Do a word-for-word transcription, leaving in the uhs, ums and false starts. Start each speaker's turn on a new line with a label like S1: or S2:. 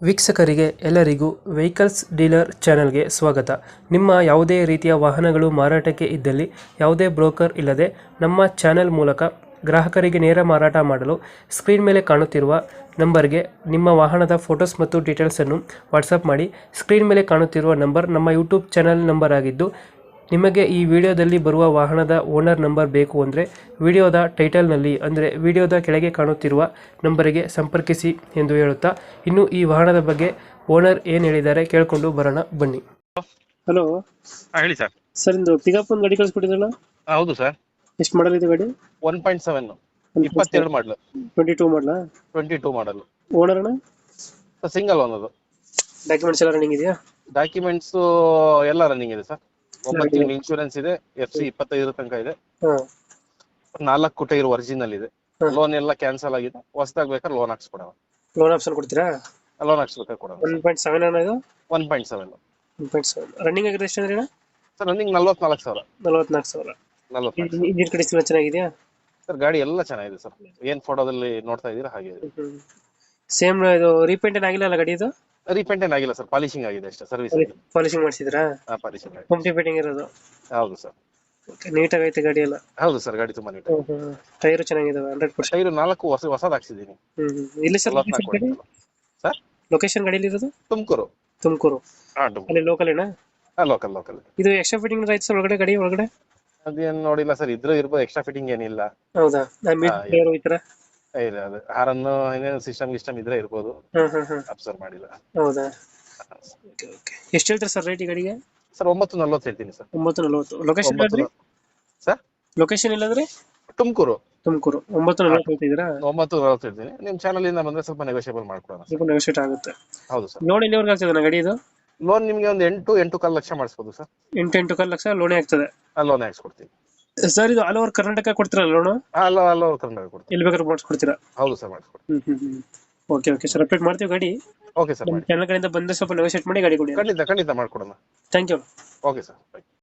S1: ವೀಕ್ಷಕರಿಗೆ ಎಲ್ಲರಿಗೂ vehicles dealer ಚಾನೆಲ್ಗೆ ಸ್ವಾಗತ. ನಿಮ್ಮ ಯಾವುದೇ ರೀತಿಯ ವಾಹನಗಳು ಮಾರಾಟಕ್ಕೆ ಇದ್ದಲ್ಲಿ ಯಾವುದೇ ಬ್ರೋಕರ್ ಇಲ್ಲದೆ ನಮ್ಮ ಚಾನೆಲ್ ಮೂಲಕ ಗ್ರಾಹಕರಿಗೆ ನೇರ ಮಾರಾಟ ಮಾಡಲು ಸ್ಕ್ರೀನ್ ಮೇಲೆ ಕಾಣುತ್ತಿರುವ ನಂಬರ್ಗೆ ನಿಮ್ಮ ವಾಹನದ ಫೋಟೋಸ್ ಮತ್ತು ಡೀಟೇಲ್ಸನ್ನು ವಾಟ್ಸಪ್ ಮಾಡಿ. ಸ್ಕ್ರೀನ್ ಮೇಲೆ ಕಾಣುತ್ತಿರುವ ನಂಬರ್ ನಮ್ಮ ಯೂಟ್ಯೂಬ್ ಚಾನೆಲ್ ನಂಬರ್ ಆಗಿದ್ದು, ನಿಮಗೆ ಈ ವಿಡಿಯೋದಲ್ಲಿ ಬರುವ ವಾಹನದ ಓನರ್ ನಂಬರ್ ಬೇಕು ಅಂದರೆ ವಿಡಿಯೋದ ಟೈಟಲ್ನಲ್ಲಿ ಅಂದರೆ ವಿಡಿಯೋದ ಕೆಳಗೆ ಕಾಣುತ್ತಿರುವ ನಂಬರಿಗೆ ಸಂಪರ್ಕಿಸಿ ಎಂದು ಹೇಳುತ್ತಾ, ಇನ್ನು ಈ ವಾಹನದ ಬಗ್ಗೆ ಓನರ್ ಏನು ಹೇಳಿದ್ದಾರೆ ಕೇಳಿಕೊಂಡು ಬರೋಣ ಬನ್ನಿ. ಹಲೋ
S2: ಹಾ ಹೇಳಿ ಸರ್.
S1: ಸರ್, ಇಂದು ಪಿಕಪ್ ಒಂದು ಗಾಡಿ ಕಳಿಸ್ಕೊಟ್ಟಿದ್ರಲ್ಲ,
S2: ಹೌದು ಸರ್.
S1: ಎಷ್ಟು ಮಾಡಲ್ ಇದೆ ಗಾಡಿ?
S2: ಒನ್ ಪಾಯಿಂಟ್ ಸೆವೆನ್ ಇಪ್ಪತ್ತೆರಡು ಮಾಡಲು
S1: ಟ್ವೆಂಟಿ ಟೂ ಮಾಡಲಾ?
S2: ಟ್ವೆಂಟಿ ಟೂ ಮಾಡಲ್.
S1: ಓನರ್ ಅಣ್ಣ?
S2: ಸಿಂಗಲ್ ಓನದು.
S1: ಡಾಕ್ಯುಮೆಂಟ್ಸ್ ಎಲ್ಲ ರನ್ನಿಂಗ್ ಇದೆಯಾ?
S2: ಡಾಕ್ಯುಮೆಂಟ್ಸ್ ಎಲ್ಲ ರನ್ನಿಂಗ್ ಇದೆ ಸರ್. ಒಂಬತ್ತು ತಿಂಗಳು ಇನ್ಶೂರೆನ್ಸ್ ಇದೆ. ಎಫ್ ಸಿ ಇಪ್ಪತ್ತೈದರ ತನಕ ಇದೆ.
S1: ಹಾಂ.
S2: ನಾಲ್ಕು ಟೈರ್ ಒರಿಜಿನಲ್ ಇದೆ. ಲೋನ್ ಎಲ್ಲ ಕ್ಯಾನ್ಸಲ್ ಆಗಿದೆ. ಹೊಸದಾಗಿ ಬೇಕಾದ್ರೆ ಲೋನ್ ಹಾಕ್ಸ್ಕೊಡೋಣ.
S1: ಲೋನ್ ಆಪ್ಷನ್ ಕೊಡ್ತೀರಾ?
S2: ಲೋನ್ ಹಾಕ್ಸ್ಬೇಕಾದ್ರೆ ಕೊಡೋಣ.
S1: ಒನ್ ಪಾಯಿಂಟ್ ಸೆವೆನ್ ಅಣ್ಣ ಇದು?
S2: One point seven
S1: one point seven running ಆಗಿರೋದು ಎಷ್ಟು ಅಂದ್ರೆ ಅಣ್ಣ?
S2: ಸರ್ ರನ್ನಿಂಗ್ ನಲ್ವತ್ನಾಲ್ಕು ಸಾವಿರ.
S1: ನಲವತ್ನಾಲ್ಕು ಸಾವಿರ.
S2: ನಲ್ವತ್ನಾಲ್ಕು
S1: ಇಂಜಿನ್ ಕಂಡೀಷನ್ ಎಲ್ಲ ಚೆನ್ನಾಗಿದೆಯಾ?
S2: ಸರ್ ಗಾಡಿ ಎಲ್ಲ ಚೆನ್ನಾಗಿದೆ ಸರ್. ಏನ್ ಫೋಟೋದಲ್ಲಿ ನೋಡ್ತಾ ಇದೀರಾ ಹಾಗೆ ಇದೆ.
S1: ಸೇಮ್ ಇದು ರೀಪೇಂಟ್ ಏನ್ ಆಗಿಲ್ಲ ಅಲ್ಲ ಗಾಡಿ ಇದು?
S2: ರೀಪೇಂಟ್ ಏನ್ ಆಗಿಲ್ಲ ಸರ್, ಪಾಲಿಶಿಂಗ್ ಆಗಿದೆ ಅಷ್ಟೇ. ಸರ್ವಿಸ್
S1: ಪಾಲಿಶಿಂಗ್ ಮಾಡಿಸಿದ್ರಾ?
S2: ಹಾ, ಪಾಲಿಶಿಂಗ್ ಆಗಿದೆ.
S1: ಕಂಪ್ನಿ ಪೇಂಟಿಂಗ್ ಇರೋದು?
S2: ಹೌದು ಸರ್.
S1: ನೀಟಾಗಿ ಐತೆ ಗಾಡಿ ಎಲ್ಲ?
S2: ಹೌದು ಸರ್, ಗಾಡಿ ತುಂಬಾ ನೀಟ್.
S1: ಟೈರ್ ಚೆನ್ನಾಗಿದಾವೆ ಹಂಡ್ರೆಡ್ ಪರ್ಸೆಂಟ್?
S2: ಟೈರು ನಾಲ್ಕು ಹೊಸ ಹೊಸದು ಹಾಕ್ಸಿದ್ದೀನಿ.
S1: ಹ್ಮ್. ಇಲ್ಲಿ ಸರ್
S2: ಸರ್
S1: ಲೊಕೇಶನ್ ಗಾಡಿಯಲ್ಲಿ ಇರೋದು?
S2: ತುಮಕೂರು.
S1: ತುಮಕೂರು
S2: ಹಾ, ತುಮಕೂರು.
S1: ಅಲ್ಲಿ ಲೋಕಲ್ ಏನಾ?
S2: ಹಾ, ಲೋಕಲ್ ಲೋಕಲ್.
S1: ಇದು ಎಕ್ಸ್ಟ್ರಾ ಫಿಟ್ಟಿಂಗ್ ಆಯ್ತು ಸರ್ ಒಳಗಡೆ, ಗಾಡಿ ಒಳಗಡೆ?
S2: ಅದೇನ್ ನೋಡಿಲ್ಲ ಸರ್, ಇದ್ರೂ ಇರ್ಬೋದು. ಎಕ್ಸ್ಟ್ರಾ ಫಿಟ್ಟಿಂಗ್ ಏನಿಲ್ಲ.
S1: ಹೌದಾ? ಈ ತರ
S2: ಇಲ್ಲ, ಅದು ಹಾರನ್ನು ಏನೇನು ಸಿಸ್ಟಮ್ ಗಿಸ್ಟಮ್ ಇದ್ರೆ ಇರ್ಬೋದು.
S1: ಹಾ ಹಾ ಹಾ.
S2: ಅಬ್ಸರ್ವ್ ಮಾಡಿಲ್ಲ.
S1: ಹೌದಾ? Okay okay. ಎಷ್ಟು ಹೇಳ್ತಾರೆ ಸರ್ ರೇಟ್ ಈ ಗಾಡಿಗೆ?
S2: ಸರ್ ಒಂಬತ್ತು ನಲ್ವತ್ತು ಹೇಳ್ತೀನಿ ಸರ್.
S1: ಒಂಬತ್ತು ನಲವತ್ತು. ಲೊಕೇಶನ್ ಇಲ್ಲದ್ರಿ
S2: ಸರ್?
S1: ಲೊಕೇಶನ್ ಇಲ್ಲದ್ರಿ?
S2: ತುಮಕೂರು.
S1: ತುಮಕೂರು. ಒಂಬತ್ತು ನಲವತ್ತು ಹೇಳ್ತಿದ್ದೀರಾ?
S2: ಒಂಬತ್ತು ನಲ್ವತ್ತು ಹೇಳ್ತೀನಿ. ನಿಮ್ ಚಾನಲ್ ಇಂದ ಬಂದ್ರೆ ಸ್ವಲ್ಪ ನೆಗೋಷಿಯಬಲ್ ಮಾಡ್ಕೊಡೋಣ.
S1: ಸ್ವಲ್ಪ ನೆಗೋಷಿಯೇಟ್ ಆಗುತ್ತೆ.
S2: ಹೌದು ಸರ್.
S1: ಲೋನ್ ಎಲ್ಲಿವರೆಗೆ ಆಗ್ತದೆ ಗಾಡಿ ಇದು?
S2: ಲೋನ್ ನಿಮ್ಗೆ ಒಂದು ಎಂಟು ಎಂಟು ಕಾಲು ಲಕ್ಷ ಮಾಡಿಸ್ಬೋದು ಸರ್.
S1: ಎಂಟು ಎಂಟು ಕಾಲು ಲಕ್ಷ ಲೋನೇ ಆಗ್ತದೆ?
S2: ಲೋನ್ ಹಾಕ್ಸ್ಕೊಡ್ತೀನಿ
S1: ಸರ್. ಇದು ಆಲ್ ಓವರ್ ಕರ್ನಾಟಕ ಕೊಡ್ತೀರಾ ಲೋನು?
S2: ಅಲ್ಲ ಅಲ್ಲ ಕರ್ನಾಟಕ ಕೊಡ್ತೀನಿ.
S1: ಎಲ್ಲಿ ಬೇಕಾದ್ರೂ ಮಾಡಿಸ್ಕೊಡ್ತೀರಾ?
S2: ಹೌದು ಸರ್, ಮಾಡಿಸ್ಕೊಡ್ತೀನಿ.
S1: ಹ್ಮ್ ಹ್ಮ್ ಹ್ಮ್. ಓಕೆ ಓಕೆ ಸರ್, ಅಪ್ಡೇಟ್ ಮಾಡ್ತೀವಿ ಗಾಡಿ.
S2: ಓಕೆ ಸರ್,
S1: ನಮ್ಮ ಚಾನಲ್ ಕಡೆಯಿಂದ ಬಂದ್ರೆ ಸ್ವಲ್ಪ ನೆಗೋಷಿಯೇಟ್ ಮಾಡಿ ಗಾಡಿ ಕೊಡಿ.
S2: ಖಂಡಿತ ಖಂಡಿತ ಮಾಡ್ಕೊಡೋಣ.
S1: Thank you.
S2: Okay sir.